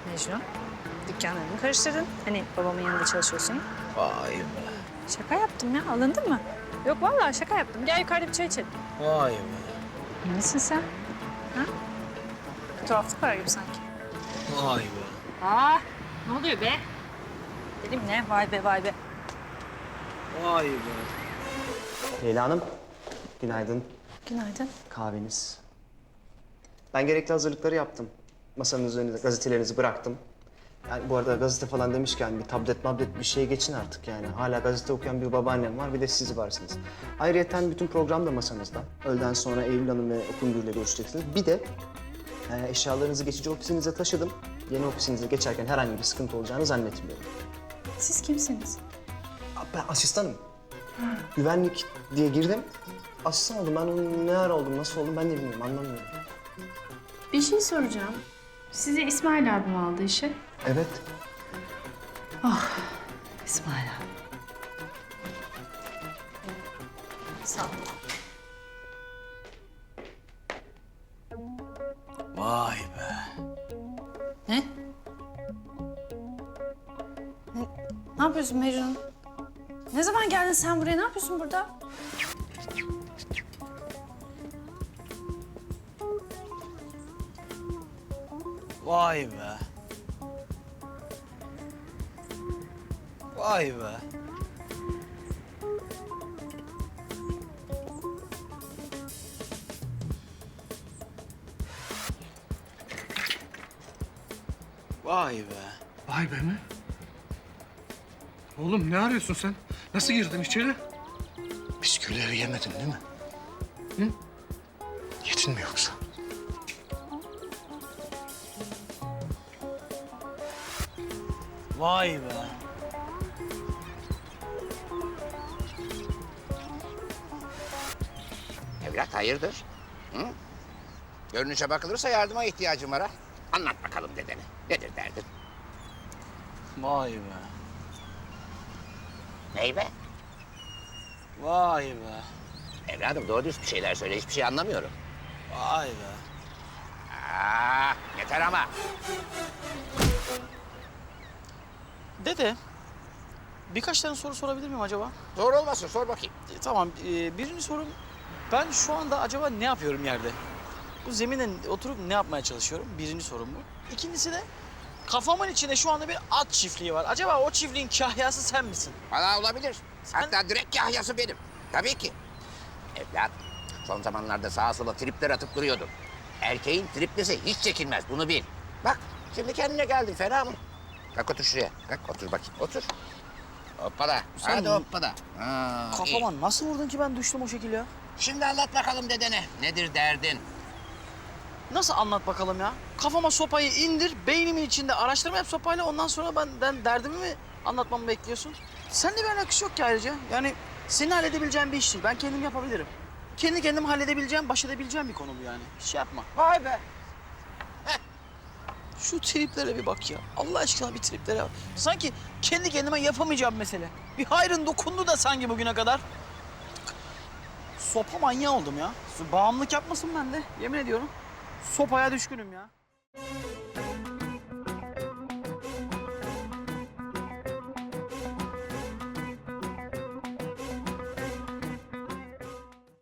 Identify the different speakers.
Speaker 1: Mecnun, dükkanlarımı karıştırdın. Hani babamın yanında çalışıyorsun.
Speaker 2: Vay be.
Speaker 1: Şaka yaptım ya, alındın mı? Yok vallahi şaka yaptım. Gel yukarıda bir çay içelim.
Speaker 2: Vay be.
Speaker 1: Nesin sen? Ha? Bir tuhaflık var gibi sanki.
Speaker 2: Vay be.
Speaker 1: Aa, ne oluyor be? Dedim ne? Vay be, vay be.
Speaker 2: Vay be.
Speaker 3: Leyla Hanım, günaydın.
Speaker 1: Günaydın.
Speaker 3: Kahveniz. Ben gerekli hazırlıkları yaptım. Masanın üzerine gazetelerinizi bıraktım. Yani bu arada gazete falan demişken bir tablet bir şeye geçin artık yani. Hala gazete okuyan bir babaannem var, bir de siz varsınız. Ayrıyeten bütün program da masanızda. Öğleden sonra Eylül Hanım ve Okul Müdürü'yle görüşeceksiniz. Bir de eşyalarınızı geçici ofisinize taşıdım. Yeni ofisinize geçerken herhangi bir sıkıntı olacağını zannetmiyorum.
Speaker 1: Siz kimsiniz?
Speaker 3: Ben asistanım. Güvenlik diye girdim. Asistan oldum. Ben onun ne ara oldum, nasıl oldum ben de bilmiyorum, anlamıyorum.
Speaker 4: Bir şey soracağım. Sizi İsmail abim aldı işe.
Speaker 3: Evet.
Speaker 4: İsmail abi.
Speaker 1: Sağ ol.
Speaker 2: Vay be.
Speaker 1: Ne? Ne yapıyorsun Mecnun? Ne zaman geldin sen buraya? Ne yapıyorsun burada?
Speaker 2: Vay be. Vay be. Vay be.
Speaker 5: Vay be mi? Oğlum ne arıyorsun sen? Nasıl girdin içeri? Bisküvileri yemedin değil mi? Hı? Yedin mi yoksa?
Speaker 2: Vay be.
Speaker 6: Evlat hayırdır? Hı? Görünüşe bakılırsa yardıma ihtiyacım var ha. Anlat bakalım dedene. Nedir derdin?
Speaker 2: Vay be.
Speaker 6: Ney be?
Speaker 2: Vay be.
Speaker 6: Evladım doğru düz bir şeyler söyle. Hiçbir şey anlamıyorum.
Speaker 2: Vay be.
Speaker 6: Yeter ama.
Speaker 7: Dede, birkaç tane soru sorabilir miyim acaba?
Speaker 6: Zor olmasın sor bakayım.
Speaker 7: Tamam, birinci sorum, ben şu anda acaba ne yapıyorum yerde? Bu zemine oturup ne yapmaya çalışıyorum? Birinci sorum bu. İkincisi de, kafamın içinde şu anda bir at çiftliği var. Acaba o çiftliğin kahyası sen misin?
Speaker 6: Valla olabilir.
Speaker 7: Sen-
Speaker 6: Hatta direkt kahyası benim. Tabii ki. Evlat, son zamanlarda sağa sola tripler atıp duruyordun. Erkeğin triplisi hiç çekilmez, bunu bil. Bak, şimdi kendine geldin, fena mı? Kalk otur şuraya. Kalk otur bakayım, otur. Hoppala,
Speaker 7: Sen-
Speaker 6: hadi hoppala. iyi.
Speaker 7: Kafama nasıl vurdun ki ben düştüm o şekil ya?
Speaker 6: Şimdi anlat bakalım dedene. Nedir derdin?
Speaker 7: Nasıl anlat bakalım ya? Kafama sopayı indir, beynimin içinde araştırma yap sopayla, ondan sonra ben derdimi mi anlatmamı bekliyorsun? Seninle bir alakası yok ki ayrıca. Yani senin halledebileceğin bir iş değil. Ben kendim yapabilirim. Kendi kendim halledebileceğim, baş edebileceğim bir konu bu yani. Hiç şey yapma.
Speaker 6: Vay be.
Speaker 7: Şu triplere bir bak ya. Allah aşkına bir triplere bak. Sanki kendi kendime yapamayacağım mesele. Bir hayrın dokundu da sanki bugüne kadar. Sopa manyağı oldum ya. Bağımlılık yapmasın bende. Yemin ediyorum. Sopaya düşkünüm ya.